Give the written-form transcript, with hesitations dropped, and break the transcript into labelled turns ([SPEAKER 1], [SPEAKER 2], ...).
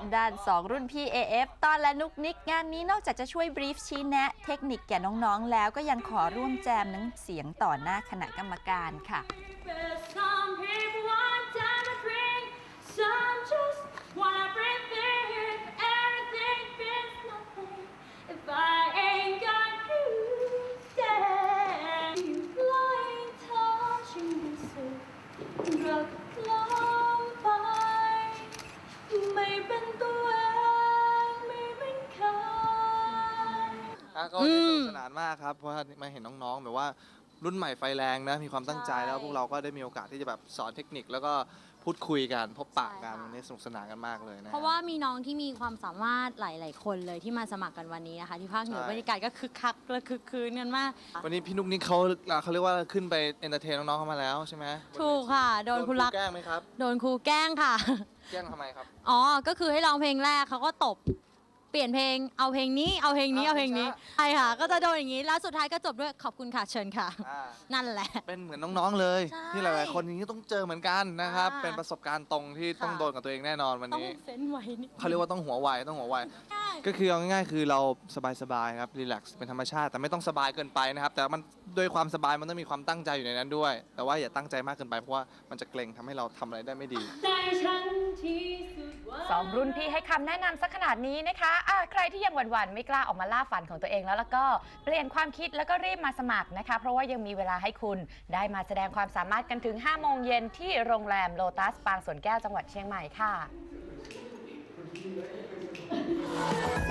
[SPEAKER 1] ด้าน2รุ่นพี่ AF ต้อนและนุกนิกงานนี้นอกจากจะช่วยบรีฟชี้แนะเทคนิคแก่น้องๆแล้วก็ยังขอร่วมแจมหนังเสียงต่อหน้าคณะกรรมการค่ะ
[SPEAKER 2] ก็สนุกสนานมากครับเพราะว่ามาเห็นน้องๆแบบว่ารุ่นใหม่ไฟแรงนะมีความตั้งใจแล้วพวกเราก็ได้มีโอกาสที่จะแบบสอนเทคนิคแล้วก็พูดคุยกันพบปะกันวันนี้สนุกสนานกันมากเลยนะ
[SPEAKER 3] เพราะว่ามีน้องที่มีความสามารถหลาย ๆ คนเลยที่มาสมัครกันวันนี้นะคะที่ภาคเหนือบรรยากาศก็คึกคักและคึกคืนกันมาก
[SPEAKER 2] วันนี้พี่นุ๊กนิกเขาเรียกว่าขึ้นไปเอนเตอร์เทนน้องๆเข้ามาแล้วใช่ไหม
[SPEAKER 3] ถูกค่ะโดนครูรัก
[SPEAKER 2] แกล้งไหมครับ
[SPEAKER 3] โดนครูแกล้งค่ะ
[SPEAKER 2] แกล้งทำไมครับ
[SPEAKER 3] อ๋อก็คือให้ร้องเพลงแรกเขาก็ตบเปลี่ยนเพลงเอาเพลงนี้เอาเพลงนี้เอาเพลงนี้ใช่ค่ะก็จะโดนอย่างนี้แล้วสุดท้ายก็จบด้วยขอบคุณค่ะเชิญค่ะนั่นแหละ
[SPEAKER 2] เป็นเหมือนน้องๆเลยที่หลายๆคนอย่างนี้ต้องเจอเหมือนกันนะครับเป็นประสบการณ์ตรงที่ต้องโดนกับตัวเองแน่นอนวันนี้
[SPEAKER 3] ต้องเฟ้นไว้นี่
[SPEAKER 2] เขาเรียกว่าต้องหัวไวก็คือเอาง่ายๆคือเราสบายๆครับรีแลกซ์เป็นธรรมชาติแต่ไม่ต้องสบายเกินไปนะครับแต่มันโดยความสบายมันต้องมีความตั้งใจอยู่ในนั้นด้วยแต่ว่าอย่าตั้งใจมากเกินไปเพราะว่ามันจะเกรงทำให้เราทำอะไรได้ไม่ดี
[SPEAKER 1] 2รุ่นพี่ให้คำแนะนำสักขนาดนี้นะคะใครที่ยังหวั่นๆไม่กล้าออกมาล่าฝันของตัวเองแล้วก็เปลี่ยนความคิดแล้วก็รีบมาสมัครนะคะเพราะว่ายังมีเวลาให้คุณได้มาแสดงความสามารถกันถึง 5 โมงเย็นที่โรงแรมโลตัสปางสวนแก้วจังหวัดเชียงใหม่ค่ะ